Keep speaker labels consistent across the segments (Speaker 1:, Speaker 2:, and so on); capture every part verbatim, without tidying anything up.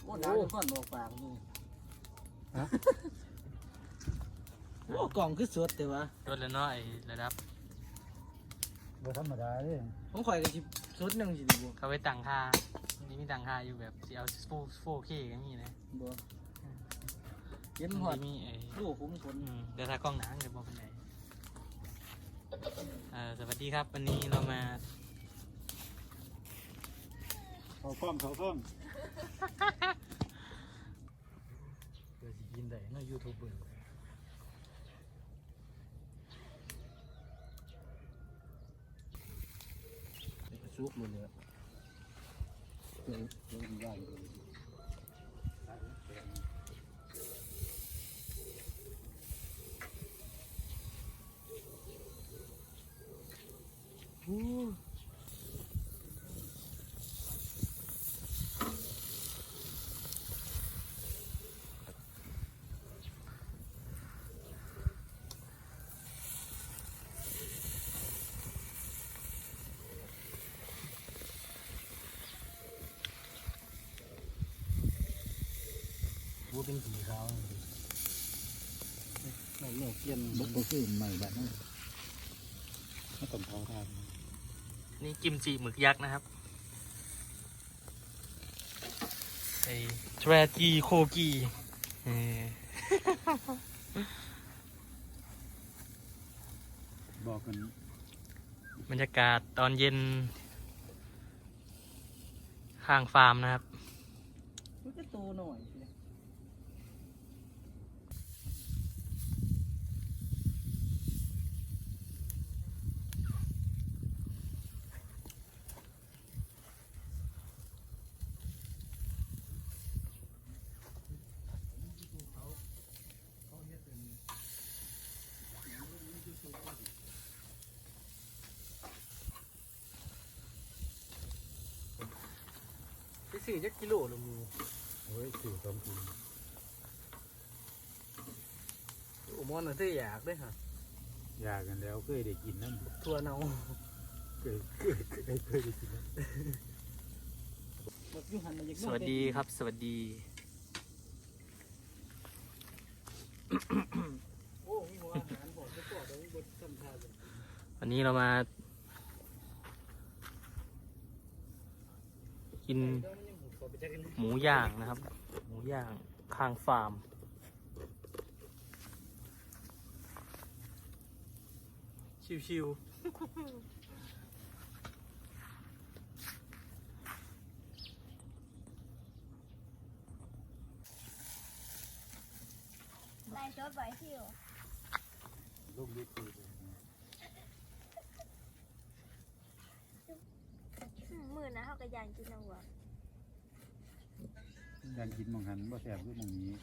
Speaker 1: อ้ดาวจะก้อนออกปากนี่ฮะโอ้กล่องคือสดแต่ว่า
Speaker 2: สดแล้วเนาะไอ้ระดับ
Speaker 3: บ่ธรรมดาเด้
Speaker 1: ผมข่อยกับจิสดหนึ่งสิดีบ่
Speaker 2: เขาไปตั้งค่านี่มีตั้งค่าอยู่แบบสิเอาโฟร์เคก็มีนะ
Speaker 1: บ่เย็นหอด
Speaker 2: มีไอ้
Speaker 1: ลูกคุ้มคน
Speaker 2: เดี๋ยวถ้ากล้องหนังเดี๋ยวบอกเป็นไหนเออสวัสดีครับวันนี้เรามา
Speaker 3: เขาฟ้อมเขาฟ้อม
Speaker 1: เดี๋ยวสิกินได้เนาะยูทูบเบอร์ซุกเลยเนี่ยเป็นเป็นย่างเลยอู้ว่าเป็นสีขาวไม่เนี่ยเกียนบุกบุกขึ้นใหม่แบบนั้นไม่ต้องเผาทาน
Speaker 2: นี่กิมจิหมึกยักษ์นะครับไอ้ทรจีโคกี
Speaker 3: บอกกัน
Speaker 2: บรรยากาศตอนเย็นข้างฟาร์มนะครับ
Speaker 1: มันก็โตหน่อยไปสี่จักกิโลละมู
Speaker 3: โอ้ยสี่สองกิโล
Speaker 1: โอ้มอนน่ะที่อยากด้วยฮะ
Speaker 3: อยากกันแล้วเคยได้กินนั่น
Speaker 1: ทัวเนา
Speaker 3: เคยเคยเคยเคยได้กินนั่น
Speaker 2: สวัสดีครับสวัสดีวันนี้เรามากินหมูย่างนะครับหมูย่างข้างฟาร์มชิวๆ
Speaker 4: ได้ชดไว้ที่อยู่
Speaker 3: ลูกเล็กคือ
Speaker 4: มือนะเขากระยานกินเอาหัว
Speaker 3: ยันกินมองหันบ่แสบคือมองนี้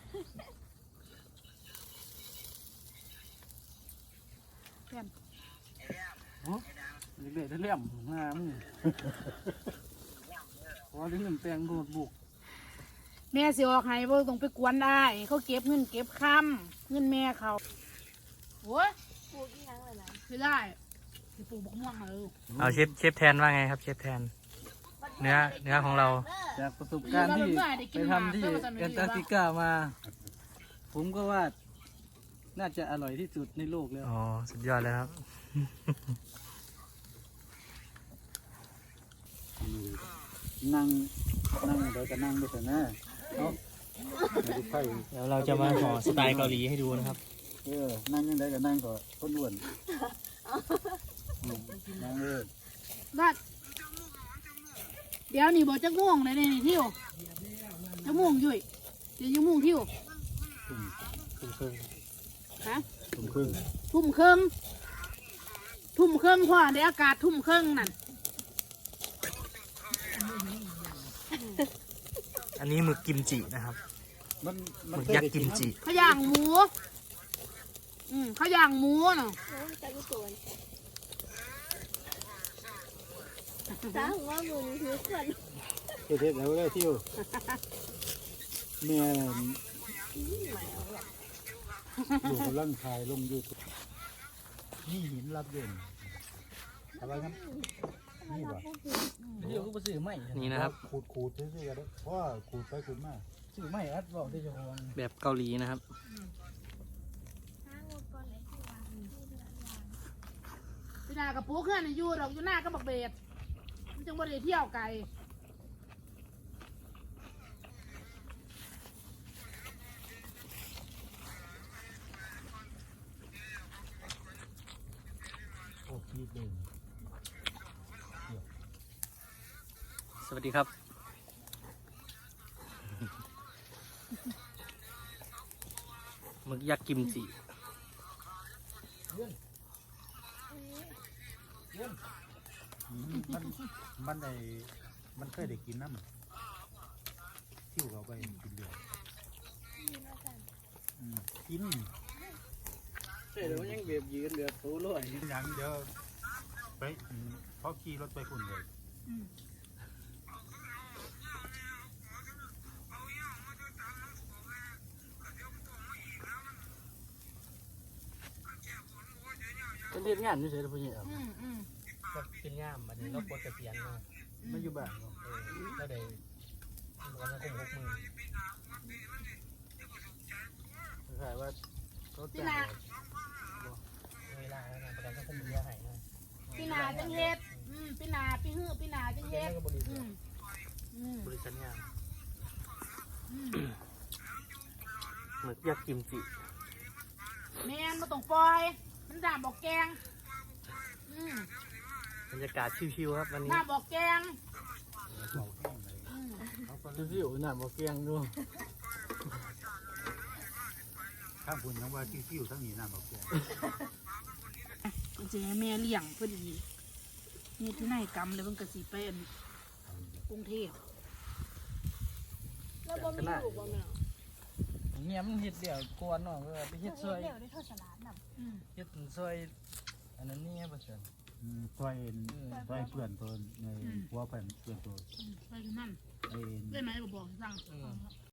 Speaker 1: แก้มโอ้เด็กๆเลี่ยมงามพอถึงเงินแปลงโดดบุก
Speaker 5: แม่สิออกให้บ่ต้องไปกวนได้เขาเก็บเงินเก็บคำเงินแม่เขาโอ้ย
Speaker 4: ปลูกที่ยังเลยนะ
Speaker 5: ไม่ได้สิปลูกบักม่วงเลย
Speaker 2: เอาเชฟเชฟแทนว่าไงครับเชฟแทนเนื้อเนื้อของเรา
Speaker 1: จากประสบการณ์ที่ไปทำที่แอนตาร์กติกามาผมก็ว่าน่าจะอร่อยที่สุดในโลกแล้ว
Speaker 2: อ๋อสุดยอดเลยครับ
Speaker 3: นั่งนั่งเดี๋ยวจะนั่งไปเถอะนะเนาะ
Speaker 2: เดี๋ยวเราจะมาห่อสไตล์เกาหลีให้ดูนะครับ
Speaker 3: เออนั่งยังไงก็นั่งก็คนอ้วนนั่งเลย
Speaker 5: บัดเดี๋ยวนี่บอกจะง่วงเลยนี่ทิวจะม่วงยุ่ยเดี๋ยวจะม่วงทิว
Speaker 3: ทุ่มครึ่ง
Speaker 5: ฮะ
Speaker 3: ทุ่มครึ่ง
Speaker 5: ทุ่มครึ่งทุ่มครึ่งพ่อในอากาศทุ่มครึ่งนั่น
Speaker 2: อันนี้หมึกกิมจินะครับหมึกยักษ์กิมจิ
Speaker 5: ข้าวย่างหมูอืมข้าวย่างหมูเนาะ
Speaker 4: สาวว่ามือนี้คือคน
Speaker 3: เทศแล้วได้ที่อยู่แม่อยู่กำลังถ่ายลงยูทูบนี่หินรับเด่นอะไรครับนี่วะ
Speaker 1: เดี๋ยวก็ไปบ่ซื้อไม่
Speaker 2: นี่นะครับ
Speaker 3: ขูดขูดซื้อๆกันเด้อเพราะว่าขูดไปขูดมา
Speaker 1: ซื้อไม่อัดบอกที่เจะของ
Speaker 2: แบบเกาหลีนะครับ
Speaker 4: ห้างบก่อนเลยที่วางที่เดือนวาง
Speaker 5: พี่นากับปูเคลื่อนอยู่ดอกอยู่หน้าก็บักเบ็ดมันจึงบ่ได้เที่ยวไกล
Speaker 3: โอ้คิดเลย
Speaker 2: สวัสดีครับ หมึกยักษ์กิมจิ
Speaker 3: อืมมันมันได้มันเคยได้กินน้ำทิ่วเขาไปกินเดือด
Speaker 4: มีมาสั่น
Speaker 3: อืมกิน
Speaker 1: เดี๋ยวยังเบียบยืนเหลือตัวลอย
Speaker 3: กินอย่างเดียวไปอืมเพราะขี่รถไปคุณเลย
Speaker 5: อืม
Speaker 1: เป็นเรียนงานนี่เฉยๆพุ่นนี่
Speaker 5: อืมอืม
Speaker 2: ก็ขึ้นย่ามมันนี้เราปลดเกษียณมา
Speaker 1: มาอยู่บ้านเนาะ
Speaker 2: เออก็ได้วันละคงหกหมื่น
Speaker 1: ขายว่าเขา
Speaker 5: พี่
Speaker 1: จ้าง
Speaker 5: นา
Speaker 2: เวลาแล้วนะประกันสังคมเยอะหายนะ
Speaker 5: พี่นาจังเฮ็ดอืมพี่นาพี่ฮื้อพี่นาจัง
Speaker 2: เฮ็
Speaker 5: เฮ็
Speaker 2: ด
Speaker 5: ด
Speaker 2: ก็บริ
Speaker 5: อื
Speaker 2: ษัท
Speaker 5: มอืม
Speaker 2: บริษัทยาม
Speaker 5: อืม
Speaker 2: หมึกยักษ์กิมจิ
Speaker 5: แม่นบ่ต้องปล่อย มันด่าบอกแกงอืม
Speaker 2: บรรยากาศชิวๆครับวันนี้
Speaker 5: ด่าบอกแกง
Speaker 3: เขาแห้งเลย
Speaker 5: อืม
Speaker 3: เขาก็
Speaker 1: ดูสิโอ้หน้าบ่เกียงดู
Speaker 3: ข้างคุณทั้งว่าทิ่วๆทั้งนี้น้ำบักแก
Speaker 5: จริงๆให้แม่เลี้ยงพอดีนี่ที่ไหนกรรมเลยเพิ่นก็สิไปอันกรุงเทพ
Speaker 4: แล้วบ่มีลูกบ่แม่
Speaker 1: เงี้ยมันเฮ็ดเดี่ยวกวนเนาะก็ไปเฮ็ดซอย
Speaker 4: เดี๋ยวได้ทอดสลัดนำ
Speaker 5: อืม
Speaker 1: เฮ็ดซอยอันนั้นนี่บ่ซั่น
Speaker 3: อืมซอยเอ็นซอยเพื่อนตัวในหัวเพื่อนเพื่อนตัว
Speaker 5: อืมไปที่นั่น
Speaker 3: ไอ้เอ็น
Speaker 5: ได้ไหมบ่บอกสั่ง
Speaker 2: อืม